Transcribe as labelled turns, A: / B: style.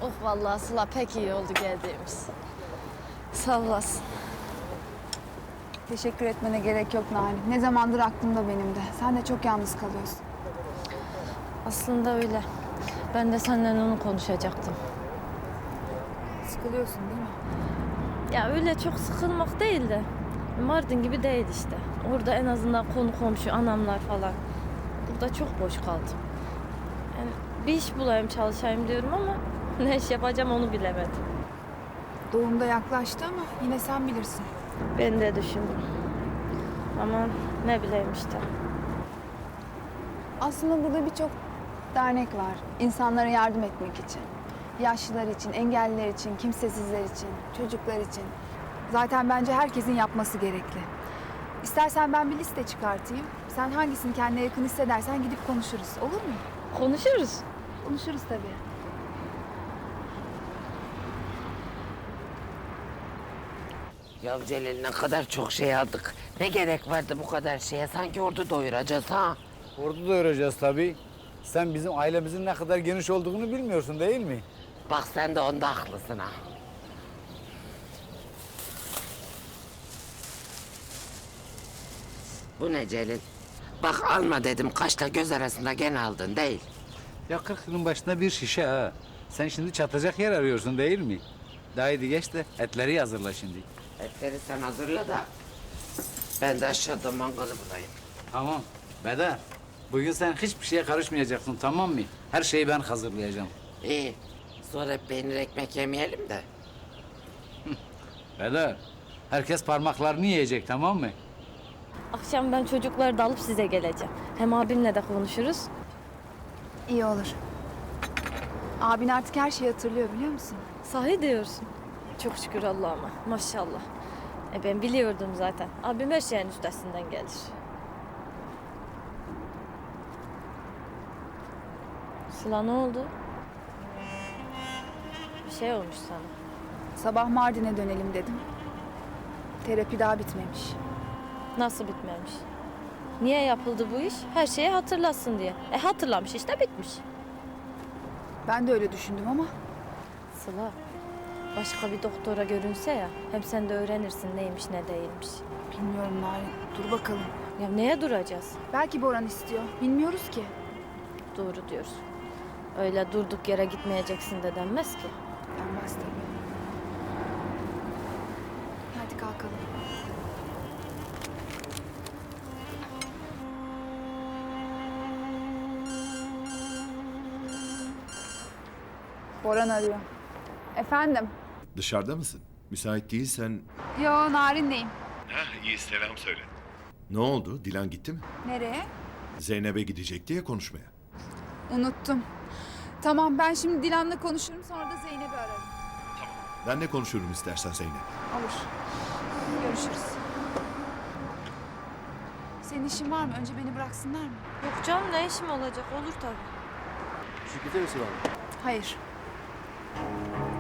A: Oh vallahi Sıla pek iyi oldu geldiğimiz. Sağ olasın.
B: Teşekkür etmene gerek yok Narin. Ne zamandır aklımda benim de. Sen de çok yalnız kalıyorsun.
A: Aslında öyle. Ben de seninle onu konuşacaktım.
B: Sıkılıyorsun değil mi?
A: Ya öyle çok sıkılmak değil de Mardin gibi değil işte. Orada en azından konu komşu, anamlar falan. Burada çok boş kaldım. Yani bir iş bulayım, çalışayım diyorum ama ne iş yapacağım onu bilemedim.
B: Doğumda yaklaştı ama yine sen bilirsin.
A: Ben de düşündüm. Ama ne bileyim işte.
B: Aslında burada birçok dernek var. İnsanlara yardım etmek için. Yaşlılar için, engelliler için, kimsesizler için, çocuklar için. Zaten bence herkesin yapması gerekli. İstersen ben bir liste çıkartayım. Sen hangisini kendine yakın hissedersen gidip konuşuruz. Olur mu?
A: Konuşuruz.
B: Konuşuruz tabii.
C: Ya Celil ne kadar çok şey aldık. Ne gerek vardı bu kadar şeye? Sanki ordu doyuracağız ha.
D: Orada doyuracağız tabii. Sen bizim ailemizin ne kadar geniş olduğunu bilmiyorsun değil mi?
C: Bak sen de onda haklısın ha. Bu ne Celil? Bak alma dedim kaşla göz arasında gene aldın değil.
D: Ya 40 yılın başında bir şişe ha. Sen şimdi çatacak yer arıyorsun değil mi? Daha iyi geç de etleri hazırla şimdi.
C: Etleri sen hazırla da ben de aşağıda mangalı bulayım.
D: Tamam. Beda, bugün sen hiçbir şeye karışmayacaksın tamam mı? Her şeyi ben hazırlayacağım.
C: İyi. Sonra hep peynir ekmek yemeyelim de.
D: Beda, herkes parmaklarını yiyecek tamam mı?
A: Akşam ben çocukları da alıp size geleceğim. Hem abimle de konuşuruz.
B: İyi olur. Abin artık her şeyi hatırlıyor biliyor musun?
A: Sahi diyorsun. Çok şükür Allah'ıma. Maşallah. Ben biliyordum zaten. Abim her şeyin üstesinden gelir. Sıla ne oldu? Bir şey olmuş sana.
B: Sabah Mardin'e dönelim dedim. Terapi daha bitmemiş.
A: Nasıl bitmemiş? Niye yapıldı bu iş? Her şeyi hatırlasın diye. Hatırlamış işte bitmiş.
B: Ben de öyle düşündüm ama
A: Sıla, başka bir doktora görünse ya, hem sen de öğrenirsin neymiş ne değilmiş.
B: bilmiyorum Narin. Dur bakalım.
A: Ya neye duracağız?
B: Belki Boran istiyor. Bilmiyoruz ki.
A: Doğru diyorsun. Öyle durduk yere gitmeyeceksin de denmez ki.
B: Denmez tabii. Hadi kalkalım. Boran arıyor. Efendim?
E: Dışarıda mısın? Müsait değilsen...
B: Yo, Narin'leyim.
E: Heh, iyi selam söyle. Ne oldu? Dilan gitti mi?
B: Nereye?
E: Zeynep'e gidecekti ya konuşmaya.
B: Unuttum. Tamam, ben şimdi Dilan'la konuşurum, sonra da Zeynep'i ararım.
E: Ben de konuşurum istersen Zeynep.
B: Olur. Görüşürüz. Senin işin var mı? Önce beni bıraksınlar mı?
A: Yok canım ne işim olacak? Olur tabii.
D: Şirkete misin abi?
B: Hayır.